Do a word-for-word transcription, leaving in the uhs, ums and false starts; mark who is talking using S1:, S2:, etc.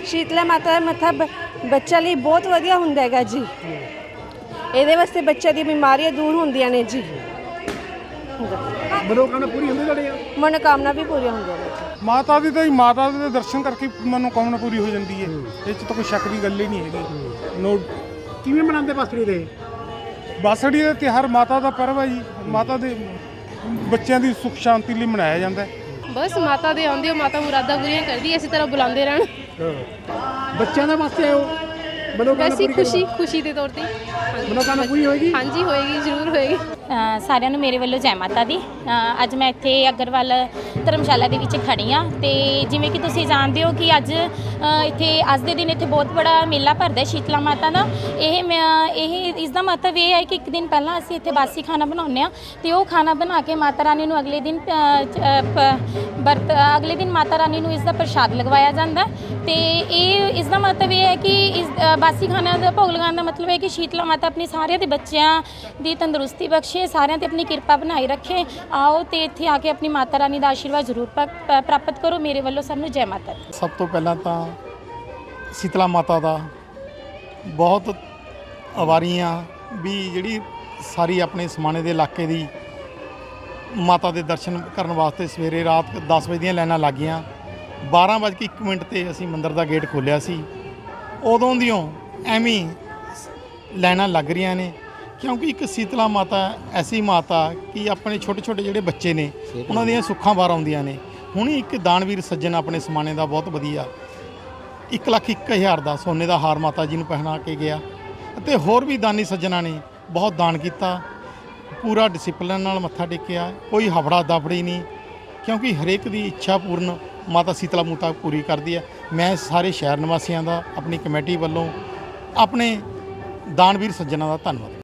S1: शीतला माता का मत्था बच्चा लिए बहुत वधिया हुंदा हैगा जी। ਇਹਦੇ ਵਾਸਤੇ ਬੱਚੇ ਦੀ ਬਿਮਾਰੀਆਂ ਦੂਰ ਹੁੰਦੀਆਂ ਨੇ ਜੀ।
S2: ਮਨੋਕਾਮਨਾ ਪੂਰੀ ਹੁੰਦੀ ਤੁਹਾਡੇ?
S1: ਮਨੋਕਾਮਨਾ ਵੀ ਪੂਰੀਆਂ ਹੁੰਦੀਆਂ ਨੇ ਜੀ।
S3: ਮਾਤਾ ਦੀ ਤਾਂ ਹੀ ਮਾਤਾ ਦੇ ਦਰਸ਼ਨ ਕਰਕੇ ਮਨੋਕਾਮਨਾ ਪੂਰੀ ਹੋ ਜਾਂਦੀ ਹੈ, ਇਹ 'ਚ ਤਾਂ ਕੋਈ ਸ਼ੱਕ ਦੀ ਗੱਲ ਹੀ ਨਹੀਂ ਹੈਗੀ। ਨੋ
S2: ਕਿਵੇਂ ਮਨਾਉਂਦੇ ਬਸੜੀ ਦੇ?
S3: ਬਾਸੜੀ ਦਾ ਤਿਉਹਾਰ ਮਾਤਾ ਦਾ ਪਰਵ ਹੈ ਜੀ। ਮਾਤਾ ਦੇ ਬੱਚਿਆਂ ਦੀ ਸੁੱਖ ਸ਼ਾਂਤੀ ਲਈ ਮਨਾਇਆ ਜਾਂਦਾ ਹੈ।
S4: बस माता दे आंदे हो, माता मुरादा पूरी करदी, इसी तरह बुलाते रहन।
S2: ਬੱਚਿਆਂ ਦੇ ਵਾਸਤੇ ਆਓ ਮਨੋਕਾਮਨਾ
S4: वैसी
S2: ਪੂਰੀ
S4: खुशी खुशी के तौर पर
S2: ਮਨੋਕਾਮਨਾ ਪੂਰੀ ਹੋਏਗੀ?
S4: हाँ जी होएगी, जरूर होएगी।
S5: ਸਾਰਿਆਂ ਨੂੰ ਮੇਰੇ ਵੱਲੋਂ ਜੈ ਮਾਤਾ ਦੀ। ਅ, ਅੱਜ ਮੈਂ ਇੱਥੇ ਅਗਰਵਾਲ ਧਰਮਸ਼ਾਲਾ ਦੇ ਵਿੱਚ ਖੜੀ ਹਾਂ ਤੇ ਜਿਵੇਂ ਕਿ ਤੁਸੀਂ ਜਾਣਦੇ ਹੋ ਕਿ ਅੱਜ ਅ, ਇੱਥੇ ਅੱਜ ਦੇ ਦਿਨ ਇੱਥੇ ਬਹੁਤ ਬੜਾ ਮੇਲਾ ਭਰਦਾ ਸ਼ੀਤਲਾ ਮਾਤਾ ਦਾ। ਇਹ ਮੈਂ- ਇਹ ਇਸ ਦਾ ਮਹੱਤਵ ਇਹ ਹੈ ਕਿ ਇੱਕ ਦਿਨ ਪਹਿਲਾਂ ਅਸੀਂ ਇੱਥੇ ਬਾਸੀ ਖਾਣਾ ਬਣਾਉਂਦੇ ਹਾਂ ਤੇ ਉਹ ਖਾਣਾ ਬਣਾ ਕੇ ਮਾਤਾ ਰਾਣੀ ਨੂੰ ਅਗਲੇ ਦਿਨ ਅ, ਚ- ਅ, ਪ- ਵਰਤ ਅਗਲੇ ਦਿਨ ਮਾਤਾ ਰਾਣੀ ਨੂੰ ਇਸ ਦਾ ਪ੍ਰਸ਼ਾਦ ਲਗਵਾਇਆ ਜਾਂਦਾ ਤੇ ਇਹ ਇਸ ਦਾ ਮਹੱਤਵ ਇਹ ਹੈ ਕਿ ਇਸ ਅ, ਬਾਸੀ ਖਾਣਾ ਦਾ ਭੋਗ ਲਗਾਉਣ ਦਾ ਮਤਲਬ ਹੈ ਕਿ ਸ਼ੀਤਲਾ ਮਾਤਾ ਆਪਣੇ ਸਾਰਿਆਂ ਦੇ ਬੱਚਿਆਂ ਦੀ ਤੰਦਰੁਸਤੀ ਬਖਸ਼ੇ, ਸਾਰਿਆਂ ਤੇ ਆਪਣੀ ਕਿਰਪਾ ਬਣਾਈ ਰੱਖੇ। ਆਓ ਤੇ ਇੱਥੇ ਆ ਕੇ ਆਪਣੀ ਮਾਤਾ ਰਾਣੀ ਦਾ ਆਸ਼ੀਰਵਾਦ ਜ਼ਰੂਰ ਪ- ਪ੍ਰਾਪਤ ਕਰੋ। ਮੇਰੇ ਵੱਲੋਂ ਸਭ ਨੂੰ ਜੈ ਮਾਤਾ ਦੀ।
S6: ਸਭ ਤੋਂ ਪਹਿਲਾਂ ਤਾਂ ਸ਼ੀਤਲਾ ਮਾਤਾ ਦਾ ਬਹੁਤ ਆਭਾਰੀਆਂ ਵੀ ਜਿਹੜੀ ਸਾਰੀ ਆਪਣੇ ਸਮਾਣੇ ਦੇ ਇਲਾਕੇ ਦੀ ਮਾਤਾ ਦੇ ਦਰਸ਼ਨ ਕਰਨ ਵਾਸਤੇ ਸਵੇਰੇ ਰਾਤ ਦਸ ਵਜੇ ਦੀਆਂ ਲਾਈਨਾਂ ਲੱਗ ਗਈਆਂ। ਬਾਰਾਂ ਵੱਜ ਕੇ ਇੱਕ ਮਿੰਟ 'ਤੇ ਅਸੀਂ ਮੰਦਿਰ ਦਾ ਗੇਟ ਖੋਲ੍ਹਿਆ ਸੀ। ਉਦੋਂ ਦੀਆਂ ਐਵੇਂ ਹੀ ਲਾਈਨਾਂ ਲੱਗ ਰਹੀਆਂ ਨੇ ਕਿਉਂਕਿ ਇੱਕ ਸ਼ੀਤਲਾ ਮਾਤਾ ਐਸੀ ਮਾਤਾ ਕਿ ਆਪਣੇ ਛੋਟੇ ਛੋਟੇ ਜਿਹੜੇ ਬੱਚੇ ਨੇ ਉਹਨਾਂ ਦੀਆਂ ਸੁੱਖਾਂ ਬਾਹਰ ਆਉਂਦੀਆਂ ਨੇ। ਹੁਣ ਇੱਕ ਦਾਨਵੀਰ ਸੱਜਣ ਆਪਣੇ ਸਮਾਣੇ ਦਾ ਬਹੁਤ ਵਧੀਆ ਇੱਕ ਲੱਖ ਇੱਕ ਹਜ਼ਾਰ ਦਾ ਸੋਨੇ ਦਾ ਹਾਰ ਮਾਤਾ ਜੀ ਨੂੰ ਪਹਿਨਾ ਕੇ ਗਿਆ ਅਤੇ ਹੋਰ ਵੀ ਦਾਨੀ ਸੱਜਣਾਂ ਨੇ ਬਹੁਤ ਦਾਨ ਕੀਤਾ। ਪੂਰਾ ਡਿਸਪਲਿਨ ਨਾਲ ਮੱਥਾ ਟੇਕਿਆ, ਕੋਈ ਹਫੜਾ ਦਫੜੀ ਨਹੀਂ ਕਿਉਂਕਿ ਹਰੇਕ ਦੀ ਇੱਛਾ ਪੂਰਨ ਮਾਤਾ ਸ਼ੀਤਲਾ ਮਾਤਾ ਪੂਰੀ ਕਰਦੀ ਹੈ। ਮੈਂ ਸਾਰੇ ਸ਼ਹਿਰ ਨਿਵਾਸੀਆਂ ਦਾ ਆਪਣੀ ਕਮੇਟੀ ਵੱਲੋਂ ਆਪਣੇ ਦਾਨਵੀਰ ਸੱਜਣਾਂ ਦਾ ਧੰਨਵਾਦ।